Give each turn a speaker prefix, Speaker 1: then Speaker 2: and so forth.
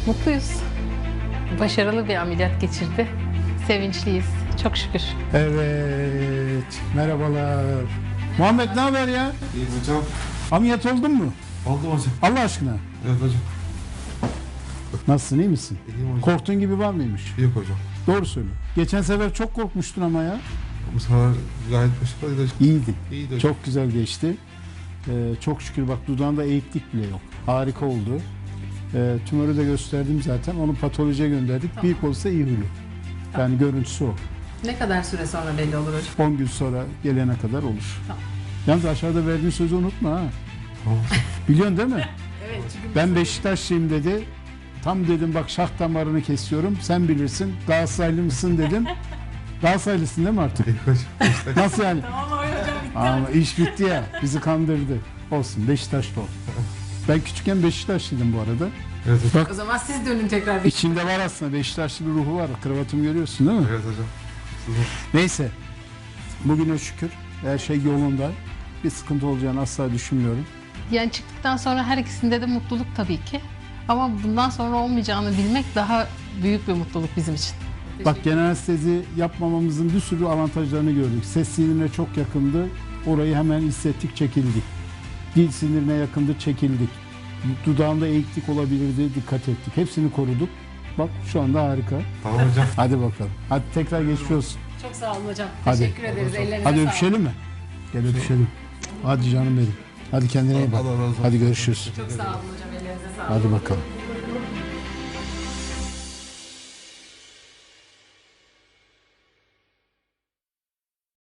Speaker 1: Mutluyuz. Başarılı bir ameliyat geçirdi. Sevinçliyiz. Çok şükür.
Speaker 2: Evet, merhabalar. Muhammed ne haber ya?
Speaker 3: İyi hocam.
Speaker 2: Ameliyat oldun mu?
Speaker 3: Oldu hocam.
Speaker 2: Allah aşkına.
Speaker 3: Evet hocam.
Speaker 2: Nasılsın, iyi misin?
Speaker 3: İyiyim hocam.
Speaker 2: Korktuğun gibi var mıymış?
Speaker 3: Yok hocam.
Speaker 2: Doğru söyle. Geçen sefer çok korkmuştun ama ya.
Speaker 3: Bu sefer gayet başarılıydı hocam.
Speaker 2: İyiydin.
Speaker 3: İyiydi hocam.
Speaker 2: Çok güzel geçti. Çok şükür bak dudağında eğiklik bile yok. Harika oldu. Tümörü de gösterdim zaten. Onu patolojiye gönderdik.
Speaker 1: Tamam.
Speaker 2: Büyük olsa iyi huylu. Yani görüntüsü o.
Speaker 1: Ne kadar süre sonra belli olur hocam?
Speaker 2: 10 gün sonra gelene kadar olur.
Speaker 1: Tamam.
Speaker 2: Yalnız aşağıda verdiğin sözü unutma ha.
Speaker 3: Tamam.
Speaker 2: Biliyorsun değil mi?
Speaker 1: Evet. Çünkü
Speaker 2: Ben Beşiktaşlıyım dedi. Tam dedim bak şah damarını kesiyorum. Sen bilirsin. Galatasaraylı mısın dedim. Galatasaraylısın değil mi artık?
Speaker 3: İyi hocam. İşte.
Speaker 2: Nasıl yani?
Speaker 1: Tamam hocam bitti.
Speaker 2: Ama iş bitti ya. Bizi kandırdı. Olsun Beşiktaşlı ol. Ben küçükken Beşiktaşlıydım bu arada.
Speaker 3: Evet hocam.
Speaker 2: Bak
Speaker 1: O zaman siz dönün tekrar bir.
Speaker 2: içinde var aslında Beşiktaşlı bir ruhu var. Kravatımı görüyorsun değil mi?
Speaker 3: Evet hocam.
Speaker 2: Neyse. Bugüne şükür her şey yolunda. Bir sıkıntı olacağını asla düşünmüyorum.
Speaker 1: Yani çıktıktan sonra her ikisinde de mutluluk tabii ki. Ama bundan sonra olmayacağını bilmek daha büyük bir mutluluk bizim için.
Speaker 2: Bak genel anestezi yapmamamızın bir sürü avantajlarını gördük. Ses sinirine çok yakındı. Orayı hemen hissettik, çekildik. Dil sinirine yakındı, çekildik. Dudağında eğiklik olabilirdi, dikkat ettik. Hepsini koruduk. Bak şu anda harika.
Speaker 3: Tamam hocam.
Speaker 2: Hadi bakalım. Hadi tekrar geçmiş olsun.
Speaker 1: Çok sağ olun hocam.
Speaker 2: Hadi.
Speaker 1: Teşekkür ederiz. Ellerinize
Speaker 2: Hadi
Speaker 1: sağlık.
Speaker 2: öpüşelim mi? Gel öpüşelim. Hadi canım benim. Hadi kendine iyi bak.
Speaker 3: Allah razı olsun.
Speaker 2: Hadi görüşürüz.
Speaker 1: Çok sağ olun hocam. Ellerinize sağlık.
Speaker 2: Hadi bakalım.